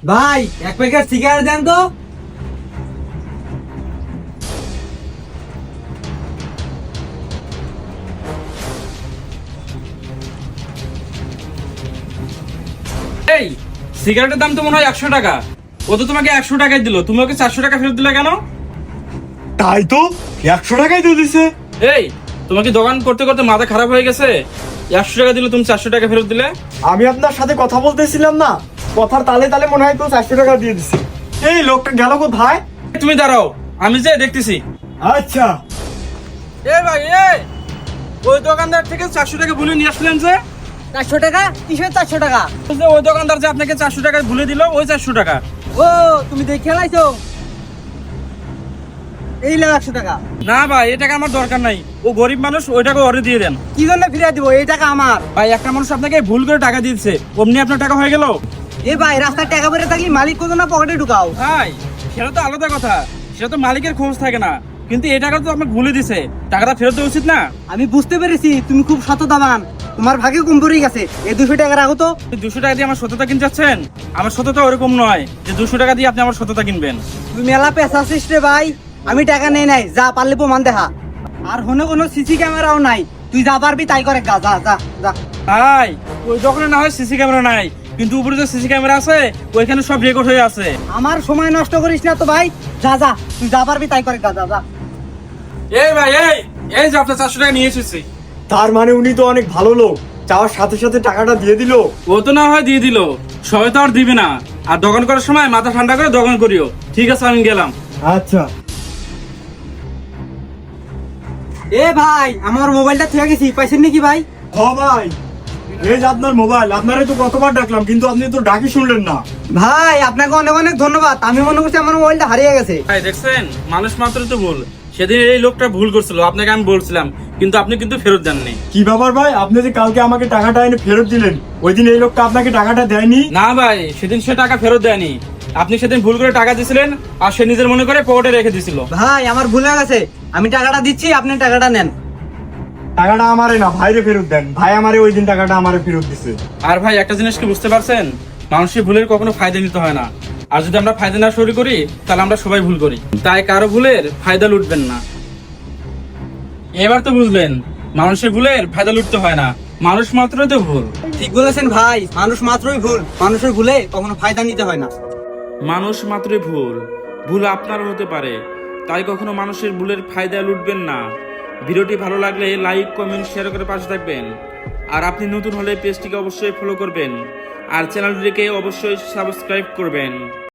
ভাই এক packet cigarette দেন তো। এই সিগারেটের দাম তো মনে হয় 100 টাকা। ও তো তোমাকে 100 টাকায় দিল, তুমি ওকে 400 টাকা ফেরত দিলে কেন? তাই তো 100 টাকাই তো দিছে। এই তোমাকে দোকান করতে করতে মাথা খারাপ হয়ে গেছে? 100 টাকা দিলে তুমি 400 টাকা ফেরত দিলে। আমি আপনার সাথে কথা বলতেছিলাম না, কথার তালে তালে মনে হয় তো 400 টাকা দিয়ে দিছে। এই লোকটা গেল কোথায়? তুমি দাঁড়াও, আমি যে দেখতেছি। আচ্ছা, এ ভাই ওই দোকানদার থেকে 400 টাকা ভুলে নিয়ে আসলেন যে? 400 টাকা? কিসের 400 টাকা? যে ওই দোকানদার যে আপনাকে 400 টাকা ভুলে দিল, ওই 400 টাকা। ও তুমি দেখে লাইছো? এই লে 100 টাকা। না ভাই, এই টাকা আমার দরকার নাই। ও গরিব মানুষ, ওই টাকা ওরে দিয়ে দেন। কি জন্য ফিরিয়ে দিব? এই টাকা আমার। ভাই একটা মানুষ আপনাকে ভুল করে টাকা দিচ্ছে, অমনি আপনার টাকা হয়ে গেল। এ ভাই রাস্তায় টাকা পড়ে থাকলে মালিক কোন না পকেটে ঢুকাও। ভাই সেটা তো আলাদা কথা, সেটা তো মালিকের খোঁজ থাকে না। কিন্তু এই টাকা তো আপনাকে ভুলে দিছে, টাকাটা ফেরত দেওয়া উচিত না? আমি বুঝতে পেরেছি তুমি খুব সততাবান, তোমার ভাগে কম পড়ে গেছে। এই 200 টাকা রাখো তো। 200 টাকা দিয়ে আমার সততা কিনতে চাচ্ছেন? আমার সততা ওরকম নয় যে 200 টাকা দিয়ে আপনি আমার সততা কিনবেন। তুই মেলা পেশা আছিস রে ভাই। আমি টাকা নেই নাই, যা পারলে প্রমাণ দেখা। আর হনে কোনো সিসি ক্যামেরাও নাই, তুই যা পারবি তাই করে গা, যা যা যা। ভাই ওই দোকানে না হয় সিসি ক্যামেরা নাই, কিন্তু উপরে যে সিসি ক্যামেরা আছে ওইখানে সব রেকর্ড হয়ে আছে। আমার সময় নষ্ট করিস না তো ভাই, যা যা, তুই যা পারবি তাই করে গা, যা যা। এই ভাই এই যে আপনার 400 টাকা নিয়ে এসেছি। তার মানে উনি তো অনেক ভালো লোক, চাওয়ার সাথে সাথে টাকাটা দিয়ে দিল। ও তো না হয় দিয়ে দিল, সবাই তো আর দিবে না। আর দোকান করার সময় মাথা ঠান্ডা করে দোকান করিও। ঠিক আছে, আমি গেলাম। আচ্ছা। এ ভাই আমার মোবাইলটা থেকে গেছি, পাইছেন নাকি ভাই? হ ভাই, এই যে আপনার মোবাইল, আপনারে তো কতবার ডাকলাম কিন্তু আপনি তো ডাকি শুনলেন না। ভাই আপনাকে অনেক অনেক ধন্যবাদ, আমি মনে করছি আমার মোবাইলটা হারিয়ে গেছে। ভাই দেখছেন, মানুষ মাত্র তো ভুল। সেদিন এই লোকটা ভুল করছিল, আপনাকে আমি বলছিলাম, কিন্তু আপনি কিন্তু ফেরত দেননি। কি ব্যাপার ভাই, আপনি যে কালকে আমাকে টাকাটা এনে ফেরত দিলেন, ওই দিন এই লোকটা আপনাকে টাকাটা দেয়নি? না ভাই, সেদিন সে টাকা ফেরত দেয়নি। আপনি সেদিন ভুল করে টাকা দিয়েছিলেন, আর সে নিজের মনে করে পকেটে রেখে দিছিল। ভাই আমার ভুল হয়ে গেছে, আমি টাকাটা দিচ্ছি, আপনি টাকাটা নেন। টাকাটা আমারে না, ভাইরে ফেরত দেন। ভাই আমারে ওই দিন টাকাটা আমারে ফেরত দিছে। আর ভাই একটা জিনিস কি বুঝতে পারছেন, মানুষের ভুলের কখনো ফায়দা নিতে হয় না। আর যদি আমরা ফায়দা না শুরু করি, তাহলে আমরা সবাই ভুল করি। তাই কারো ভুলের ফায়দা লুটবেন না। এবার তো বুঝলেন, মানুষের ভুলের ফায়দা লুটতে হয় না, মানুষ মাত্রই তো ভুল। ঠিক বলেছেন ভাই, মানুষ মাত্রই ভুল, মানুষের ভুলে কখনো ফায়দা নিতে হয় না। মানুষ মাত্রই ভুল, ভুল আপনারও হতে পারে। তাই কখনো মানুষের ভুলের ফায়দা লুটবেন না। ভিডিওটি ভালো লাগলে লাইক, কমেন্ট, শেয়ার করে পাশে থাকবেন। আর আপনি নতুন হলে পেজটিকে অবশ্যই ফলো করবেন, আর চ্যানেলটিকে অবশ্যই সাবস্ক্রাইব করবেন।